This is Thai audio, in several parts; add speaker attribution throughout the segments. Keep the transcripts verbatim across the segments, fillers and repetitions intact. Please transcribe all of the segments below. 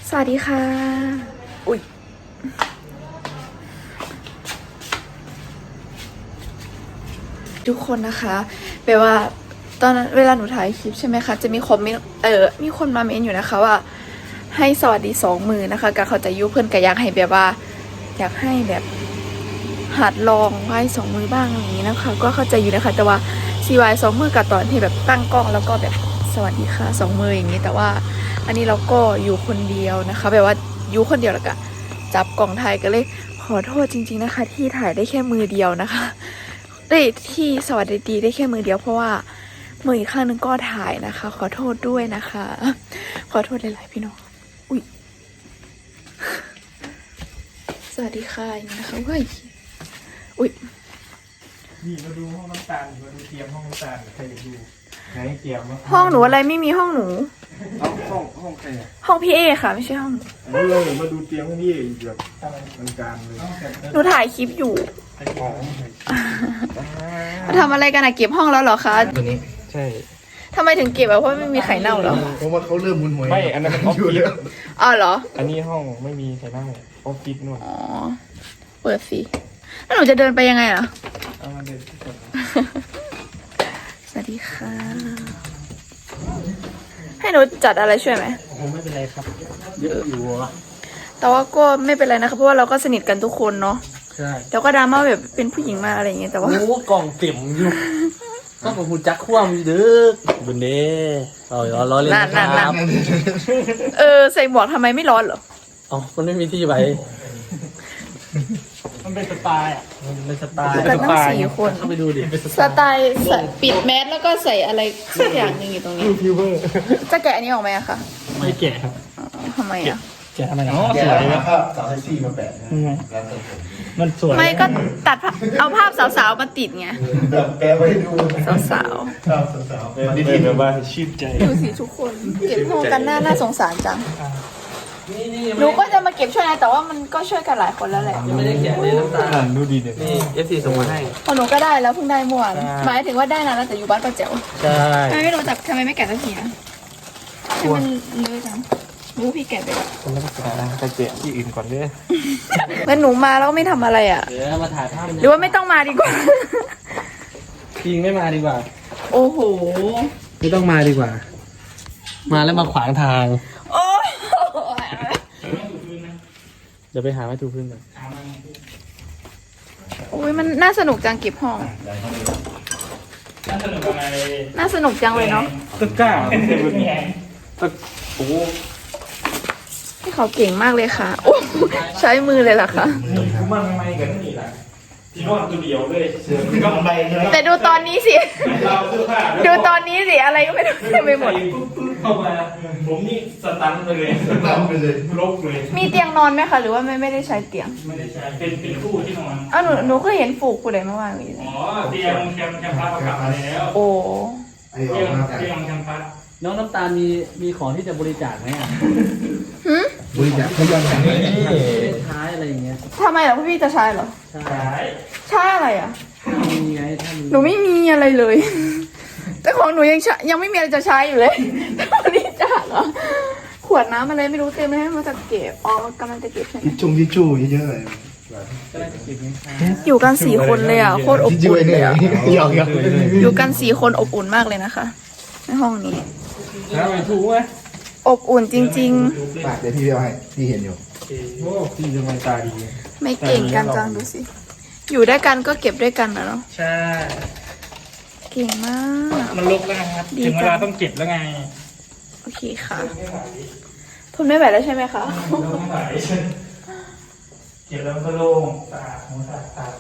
Speaker 1: สวัสดีค่ะอุ๊ยทุกคนนะคะแปลว่าตอนนั้นเวลาหนูถ่ายคลิปใช่ไหมคะจะมีคอมเมนต์เออมีคนมาเมนต์อยู่นะคะว่าให้สวัสดีสองมือนะคะการเขาจะยุเพื่อนก็อยากให้แบบว่าอยากให้แบบหัดลองไหว้สองมือบ้างอย่างนี้นะคะก็เข้าใจอยู่นะคะแต่ว่าซีวายสองมือกับตอนที่แบบตั้งกล้องแล้วก็แบบสวัสดีค่ะสองมืออย่างนี้แต่ว่าอันนี้เราก็อยู่คนเดียวนะคะแบบว่าอยู่คนเดียวแล้วก็จับกล่องถ่ายก็เลยขอโทษจริงๆนะคะที่ถ่ายได้แค่มือเดียวนะคะได้ที่สวัสดีได้แค่มือเดียวเพราะว่ามืออีกข้างนึงก็ถ่ายนะคะขอโทษด้วยนะคะขอโทษหลายๆพี่น้องอุ้ยสวัสดีค่ะอย่างนี้นะคะเฮ้ยอุ้ย
Speaker 2: นี่มาดูห้องน้ำตาลมาดูเตรียมห้องน้ำตาลใครอยากดูไหนเตรียมวะ
Speaker 1: ห้องหนูอะไรไม่มีห้องหนู
Speaker 2: เอาห้องห้องใครอ่ะ
Speaker 1: ห้องพี่เอค่ะไม่ใช่ห้องหนู
Speaker 2: เอาเลยมาดูเตรียมห้องนี่แบบมันการเลย
Speaker 1: หนูถ่ายคลิปอยู่
Speaker 2: อ๋อ
Speaker 1: ทำอะไรกันอะเก็บห้องแล้วเหรอคะ
Speaker 2: ตัวนี้ใช่
Speaker 1: ทำไมถึงเก็บอะเพราะไม่มีไข่เน่าเหรอ
Speaker 3: เพราะว่าเขาเริ่มมุนหวย
Speaker 2: ไม่อันนั้นมันออฟฟิศ
Speaker 1: อ๋อเหรอ
Speaker 2: อันนี้ห้องไม่มีใครนั่งออฟฟิศนู่น
Speaker 1: อ๋อเปิดสิแล้วหนูจะเดินไปยังไงอ่ะ
Speaker 2: เอามาเดินที่ก่อน
Speaker 1: สวัสดีค่ะให้หนูจัดอะไรช่วยไหม
Speaker 2: ผมไม่เป็นไรครับเยอะอยู่วะ
Speaker 1: แต่ว่าก็ไม่เป็นไรนะคะเพราะว่าเราก็สนิทกันทุกคนเนาะ
Speaker 4: ใช่
Speaker 1: แล้วก็ดราม่าแบบเป็นผู้หญิงมาอะไรอย่างเงี้ยแต่ว่า
Speaker 4: โอ้กล่องเต็มอยู่ ก็ผมหูจักคว่ำอยู่เด้อบนเด้เอาอย่าล้อเล่น
Speaker 1: นั่น
Speaker 4: นะ
Speaker 1: นั่น
Speaker 4: ค
Speaker 1: นั่
Speaker 4: รั
Speaker 1: น
Speaker 4: บ
Speaker 1: เออใส่หมวกทำไมไม่ร้อนเหรอ
Speaker 4: อ๋อมันไม่มีที่ไว้
Speaker 2: มันเป็นสไตล์อ่ะ
Speaker 4: มันเป็นสไตล์
Speaker 1: กันตั้งสี่คน
Speaker 4: เข้าไปดูดิ
Speaker 1: สไตล์ใส่ปิดแมสแล้วก็ใส่อะไรสักอย่างหนึงอยู่ตรงนี้
Speaker 2: ฟิวเวอร์
Speaker 1: จะแกะอันนี้ออกไหมอะคะ
Speaker 2: ไม่แก่ครับ
Speaker 1: อ๋อทำไมอะ
Speaker 2: แก่ทำไมนะ
Speaker 3: แก
Speaker 2: สวย
Speaker 3: นะ
Speaker 2: นะครับ
Speaker 3: สาวแท็กซี่มาแปะนะแล้วแต่ผม
Speaker 2: มันสวย
Speaker 1: ไม่ก็ตัดภาพเอาภาพสาวๆมาติดไง
Speaker 3: แบบแปะไว้ดู
Speaker 1: สาว
Speaker 3: ครับสาวๆ
Speaker 2: มัน
Speaker 3: มา
Speaker 2: ดี
Speaker 3: ดีๆ
Speaker 2: แบบว่าชื่นใจ
Speaker 1: ๆดูสิทุกคนเก็บห้องกันหน้าน่าสงสารจัง
Speaker 4: นี่นี่
Speaker 1: หนูก็จะมาเก็บช่วยนะแต่ว่ามันก็ช่วยกันหลายคนแล้วแหละ
Speaker 4: ยังไม่ได้แกะเลยน้ำตาล
Speaker 2: อ่านดูดีเด็ด
Speaker 4: นี่เอฟซีส่งมาให้
Speaker 1: พอหนูก็ได้แล้วเพิ่งได้เมื่อวาน
Speaker 4: ใช่
Speaker 1: หมายถึงว่าได้นานแล้วแต่อยู่บ้านป้าแจ๋ว
Speaker 4: ใช่
Speaker 1: ทำไมไม่รู้จักทำไมไม่แกะสักทีนะให้มันเลอะจังรู้พี่แกะไปก่อน
Speaker 2: คนละภาษาไปแกะที่อื่นก่อนเด้อ
Speaker 1: แล้วหนูมาแล้วไม่ทำอะไรอ่ะ
Speaker 4: เดี๋ยวมาถ่ายภาพ
Speaker 1: หรือว่าไม่ต้องมาดีกว่า
Speaker 4: จริงไม่มาดีกว่า
Speaker 1: โอ้โห
Speaker 4: ไม่ต้องมาดีกว่า มาแล้วมาขวางทาง
Speaker 1: โอ้ย
Speaker 4: เดี๋ยวไปหาไม้ถูพื้นกัน
Speaker 1: โอ้ยมันน่าสนุกจังเก็บห้อง
Speaker 2: น่าสนุกอะไร
Speaker 1: น่าสนุกจังเลยเนาะ
Speaker 2: ตึกก้าเป็นเซเว่นตึกโอ้
Speaker 1: พี่เขาเก่งมากเลยค่ะโอ้ใช้มือเลยเหรอคะ
Speaker 2: กูมันไม่กันนี่แหละที่นอนตัวเดียวเลยเสือก็
Speaker 3: ใบใช่ไหม
Speaker 1: แต่ดูตอนนี้สิ
Speaker 2: เราเสื้อผ้า
Speaker 1: ดูตอนนี้สิอะไรก็ไม่รู้เต็มไปหมด
Speaker 2: ปุ๊บปุ๊บเข้ามาผมนี่สตันไปเลย
Speaker 3: ตามไปเลย
Speaker 2: ลกเลย
Speaker 1: มีเตียงนอนไหมคะหรือว่าไม่ไม่ได้ใช้เตียง
Speaker 2: ไม่ได้ใช้เป็นเป็นคู่ที่นอน
Speaker 1: อ้าวหนูหนูก็เห็นฝูกกูได้เมื่อวานนี้
Speaker 2: อ๋อเตียงแคมแคมพัสกลับมาแล้ว
Speaker 1: โอ้
Speaker 3: ไอ้ออ
Speaker 2: เตีย
Speaker 3: ก
Speaker 2: ง
Speaker 3: มา
Speaker 2: เตียงแคมพัส
Speaker 4: น้องน้ำตาลมีมีของที่จะบริจาคไหมอ่ะ
Speaker 1: หืม
Speaker 3: บริจาคเขายังไง
Speaker 4: เลขท้ายอะไรอย่างเงี้ย
Speaker 1: ทำไมเหรอพี่จะใช้เหรอ
Speaker 4: ใช่
Speaker 2: ขาย
Speaker 1: ใช้อะไรอ่ะ
Speaker 4: มีไงถ้ามี
Speaker 1: หนูไม่มีอะไรเลย แต่ของหนูยังใช้ยังไม่มีอะไรจะใช้อยู่เลยบริจาคเหรอขวดน้ำอะไรไม่รู้เต็มเลยให้มาจะเก็บอ๋อกำลังจะเก็บใช่ไหม
Speaker 3: ทิชชงทิชชู่เยอะๆเลย
Speaker 4: ก็ได้จะเก็บเงินค่า
Speaker 1: อยู่กันสี่คนเลยอ่ะโคตรอบ
Speaker 3: ทิชชู่
Speaker 1: อุ่น
Speaker 3: เนี่
Speaker 1: เลย ยอ่ะ
Speaker 3: หยอกหยอก
Speaker 1: อยู่กันสี่คนอบอุ่นมากเลยนะคะในห้องนี้
Speaker 2: แล้วไปถูกไหม
Speaker 1: อบอุ่นจริง
Speaker 3: ปากเดี๋ยวพี่เดียวให้พี่เห็นอยู่
Speaker 2: โอ้พี่ทำไมตาดี
Speaker 1: ๆ ไม่เก่งกันจังดูสิ อยู่ด้วยกันก็เก็บด้วยกันนะเนาะ
Speaker 2: ใช่
Speaker 1: เก่งมาก
Speaker 2: มันลกแล้วครับ
Speaker 1: ดี
Speaker 2: ถึงเว
Speaker 1: จั
Speaker 2: ลาง ต้องเก็บแล้วไง
Speaker 1: โอเคค่ะทนไม่ไหวแล้วใช่ไหมคะ
Speaker 2: เราไม่ไหวเก็บแล้วมันก็โล่งสะอาดหัวสะอาดตา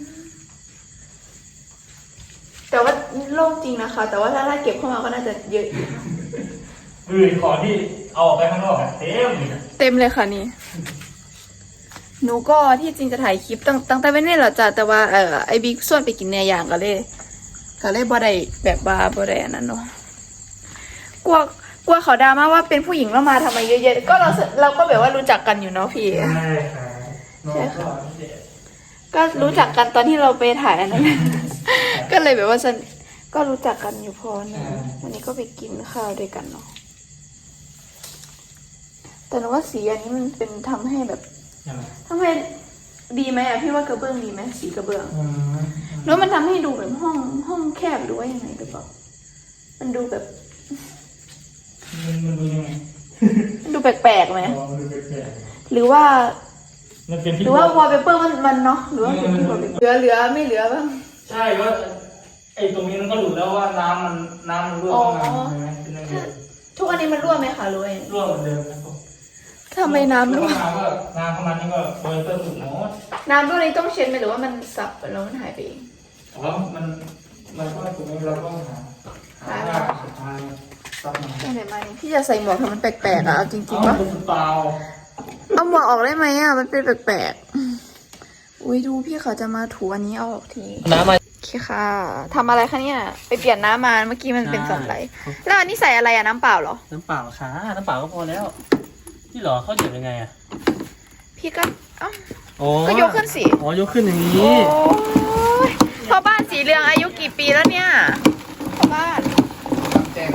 Speaker 1: แต่ว่าโล่งจริงนะคะ แต่ว่าถ้าถ้าเก็บเข้ามาก็น่าจะเยอะอยู่
Speaker 2: เออของที่เอาออกไปข้างนอกอะเต็มเลยอะ
Speaker 1: เต็มเลยค่ะนี่ หนูก็ที่จริงจะถ่ายคลิปตั้งตั้งแต่ไม่ได้หรอจ้ะแต่ว่าเออไอบิ๊กส่วนไปกินเนื้อย่างก็เลยก็เลยบ่ได้แบบว่าบ่ได้อันนั้นเนาะกลัวกลัวเขาดราม่าว่าเป็นผู้หญิงแล้วมาทำไมเยอะๆก็เราเราก็แบบว่ารู้จักกันอยู่เนาะพี่
Speaker 2: ใช่ค่ะน้องก็เด็ก
Speaker 1: ก็รู้จักกันตอนที่เราไปถ่ายอันนั้น ก็เลยแบบว่าฉันก็รู้จักกันอยู่พอนะวันนี้ก็ไปกินข้าวด้วยกันเนาะแต่หนูว่าสีอันนี้มันเป็นทำให้แบบ
Speaker 2: ยังไง
Speaker 1: ทำให้ดีไหมอะพี่ว่ากระเบื้องดีไหมสีกระเบื้อง
Speaker 2: อืม
Speaker 1: แล้วมันทำให้ดูแบบห้องห้องแคบหรือว่ายังไงหรือเปล่ามันดูแบบ
Speaker 2: มันมันดูยังไง
Speaker 1: มันดูแปลกๆไหม
Speaker 2: อ๋อมันดูแปลก
Speaker 1: หรือว่า
Speaker 2: ๆมันเป็นที่
Speaker 1: หรือว่าวอลเปเปอร์มันมันเนาะหรือว่าเป็นที่วอลเปเปอร์เหลือเหลือไม่เหลือบ้าง
Speaker 2: ใช่ว่าไอ้ตรงนี้มันก็รู้แล้วว่าน้ำมันน้ำมันรั่วเข้ามาใช่ไหมเป็นยังไง
Speaker 1: ทุกอันนี้มันรั่วไหมคะรั่วยัง
Speaker 2: รั่วเหมือนเดิมครับผม
Speaker 1: ทำไมน้ำรั่ว
Speaker 2: น้ำก็น้ำเข้ามานี่ก็โดยเพิ่มสุดหมด
Speaker 1: น้ำรั่วนี้ต้องเช็ดไหมหรือว่ามันสับไปแล้วมันหายไปเอง
Speaker 2: อ๋อมันมันก็ตรงนี้เราก็หาหาว่าสุดท้ายซับมา
Speaker 1: ไปไหนมาเนี่ยพี่จะใส่หมวกทำมันแปลกๆอะเอาจริงๆ
Speaker 2: เอา
Speaker 1: ปะ
Speaker 2: เป็นเปล่า
Speaker 1: เอาหมวกออกได้ไหมอะมันเป็นแปลกๆอุ้ยดูพี่เขาจะมาถูอันนี้เอาออกที
Speaker 4: น้ำมา
Speaker 1: โอเคค่ะทำอะไรคะเนี่ยไปเปลี่ยนน้ำมาเมื่อกี้มันเป็นสันไหลแล้วอันนี้ใส่อะไรอะน้ำเปล่าเหรอ
Speaker 4: น้ำเปล่าค่ะน้ำเปล่าก็พอแล้วพี่หรอเขาเดือดยังไงอ่ะ
Speaker 1: พี่ก็เอ้า
Speaker 4: อ๋อ
Speaker 1: ก็ยกขึ้นสิ
Speaker 4: อ๋อยกขึ้นอย่าง
Speaker 1: โอ้
Speaker 4: นี้
Speaker 1: ยพ่อบ้านสีเหลืองอายุกี่ปีแล้วเนี่ยพ่อบ้าน
Speaker 3: แจ้ง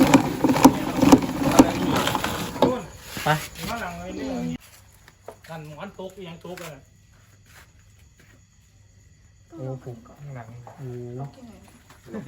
Speaker 4: ไป
Speaker 2: มาหลังเลยนี่กันหมอนตกยังตกเลย
Speaker 4: โอ้โห
Speaker 2: หลัง
Speaker 4: โอ้โห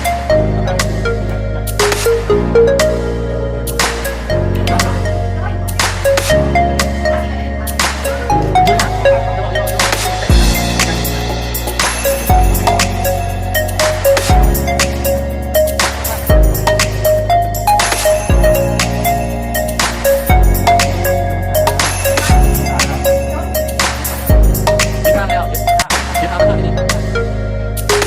Speaker 4: ที่ทำแล้วที่ทำแล้วที่ทำ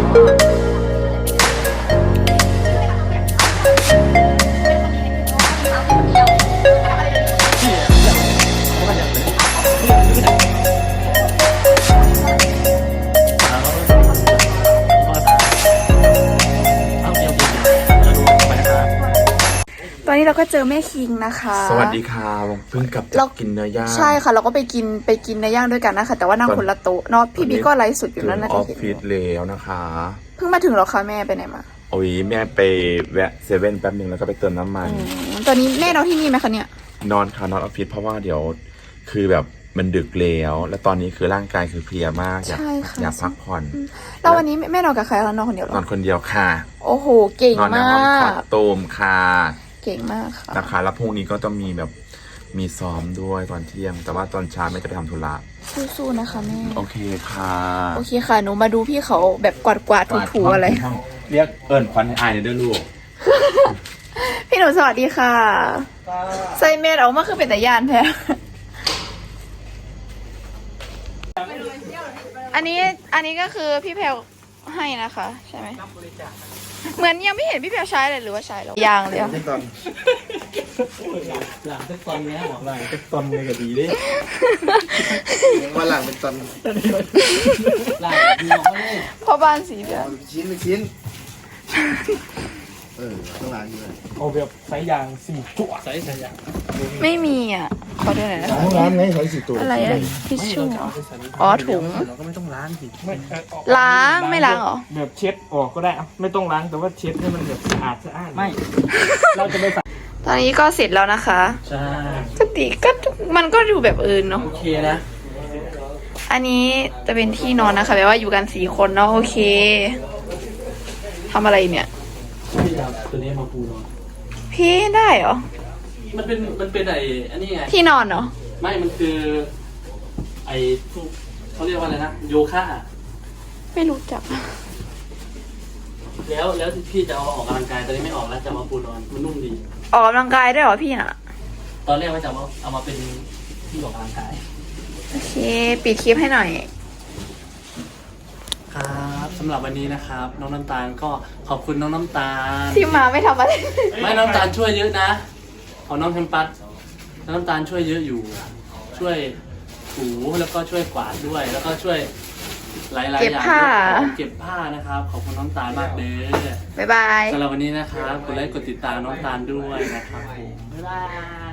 Speaker 1: ตอนนี้เราก็เจอแม่คิงนะคะ
Speaker 5: สวัสดีค่ะเพิ่งกลับ
Speaker 1: เรา
Speaker 5: จากกินเนื้อย่าง
Speaker 1: ใช่ค่ะ เราก็ไปกินไปกินเนื้อย่างด้วยกันนะคะ แต่ว่านั่งคนละโต๊ะเนาะพี่บิ๊กก็ไลฟ์สดอยู่
Speaker 5: ถึ
Speaker 1: นั่น
Speaker 5: ง
Speaker 1: นะ
Speaker 5: ออฟ
Speaker 1: เห็น
Speaker 5: ฟิศแล้วนะคะ
Speaker 1: เพิ่งมาถึงเหรอคะแม่ไปไหนมา
Speaker 5: โอ้ยแม่ไปแวะเซเว่นแป๊บหนึ่งแล้วก็ไปเติมน้ำมัน
Speaker 1: อืมตอนนี้แม่นอนที่นี่ไหมคะเนี่ย
Speaker 5: นอนค่ะนอนออฟฟิศเพราะว่าเดี๋ยวคือแบบมันดึกแล้ว แล้วตอนนี้คือร่างกายคือเพลียมากอยาก
Speaker 1: ใช่ค่ะ
Speaker 5: อยากพักผ่อน
Speaker 1: แล้ววันนี้แม่นอนกับใครคะนอนคนเดียวเหร
Speaker 5: นอ
Speaker 1: อน
Speaker 5: คนเดียวค่ะ
Speaker 1: โอ้โหเก่ง
Speaker 5: นอนใน
Speaker 1: มา
Speaker 5: ห้องคอด
Speaker 1: ก
Speaker 5: โตมค่ะ
Speaker 1: เก่งมากค่ะ
Speaker 5: นะคะแล้วพรุ่งนี้ก็ต้องมีแบบมีซ้อมด้วยตอนเที่ยง แต่ว่าตอนเช้าแม่จะไปทำธุระ
Speaker 1: สู้ๆนะคะแม่
Speaker 5: โอเคค่ะ
Speaker 1: โอเคค่ะหนูมาดูพี่เขาแบบกวาดกวาดๆถูๆอะไร
Speaker 5: ห้งเรียกเอิญควันให้อายหน่อยเด้อลูก
Speaker 1: พี่หนูสวัสดีค่ะใส่เมดออกมาคือเป็นแต่ยานแท้อันนี้อันนี้ก็คือพี่แพลวให้นะคะใช่ไหมเหมือนยังไม่เห็นพี่แพลวใช้เลยหรือว่าใช้แล้วยังเลยอะ
Speaker 3: ตอน
Speaker 4: หลังจากตอนนี้หมอหลัง
Speaker 2: ตอนนี้ก็ดีดิ
Speaker 3: วันหลังเป็นตอน
Speaker 4: หลังดีหมอเลย
Speaker 1: พ่อบ้านสีเหลือง
Speaker 3: ชิ้นเป็นชิ้น เออต้องล้างด้วย
Speaker 2: เอาแบบสายยางสี่จั่ว
Speaker 4: ใส่ใส่ยาง
Speaker 1: ไม่มีอ่ะขอดูหน่อยนะคะ
Speaker 3: ต้องล้างไงใช้สิตัว
Speaker 1: อะไรอะทิชชู่เหรออ๋อถุง
Speaker 4: เราก็ไม่ต้องล้างสิ
Speaker 2: ไม่เออออก
Speaker 1: ล้างไม่ล้างเหรอ
Speaker 2: แบบเช็ดออกก็ได้อะไม่ต้องล้างแต่ว่าเช็ดให้มันแบบสะอาดสะอาด
Speaker 4: ไม่
Speaker 2: เราจะไปใส่
Speaker 1: ตอนนี้ก็เสร็จแล้วนะคะ
Speaker 4: ใช่
Speaker 1: ปกติก็มันก็ดูแบบอื่นเนาะ
Speaker 4: โอเคนะ
Speaker 1: อันนี้จะเป็นที่นอนนะคะแปลว่าอยู่กันสี่คนเนาะโอเคทำอะไรเนี่ย
Speaker 4: พี่ครับตัวนี้มาปูนอน
Speaker 1: พี่ได้เหรอ
Speaker 4: มันเป็นมันเป็นไอ้อันนี้ไง
Speaker 1: ที่นอนเหรอ
Speaker 4: ไม่มันคือ ไอ้พวกเขาเรียกว่าอะไรนะโยคะ
Speaker 1: ไม่รู้จัก
Speaker 4: แล้วแล้วที่พี่จะเอาออกกำลังกายตอนนี้ไม่ออกแล้วจะเอามาปูนอนมันนุ่มดี
Speaker 1: ออกกำลังกายได้เหรอพี่น่ะ
Speaker 4: ตอนแรกว่าจะเอามาเอามาเป็นที่ออกกำลังกาย
Speaker 1: โอเค ปิดคลิปให้หน่อย
Speaker 4: ครับสำหรับวันนี้นะครับ น้องน้ำตาลก็ขอบคุณน้องน้ำตาล
Speaker 1: ที่มาไม่ทำอะไร
Speaker 4: ไม่น้องน้ำตาลช่วยเยอะนะของน้องแคมปัสน้องน้ำตาลช่วยเยอะอยู่ ช่วยถูแล้วก็ช่วยกวาดด้วย แล้วก็ช่วยหลายๆอย่าง
Speaker 1: เก็บผ้า
Speaker 4: เก็บผ้านะครับ ขอบคุณน้องตาลมากเลย
Speaker 1: บ๊ายบาย
Speaker 4: สำหรับวันนี้นะครับกดไลค์กดติดตามน้องตาลด้วยนะครับผมบ๊ายบาย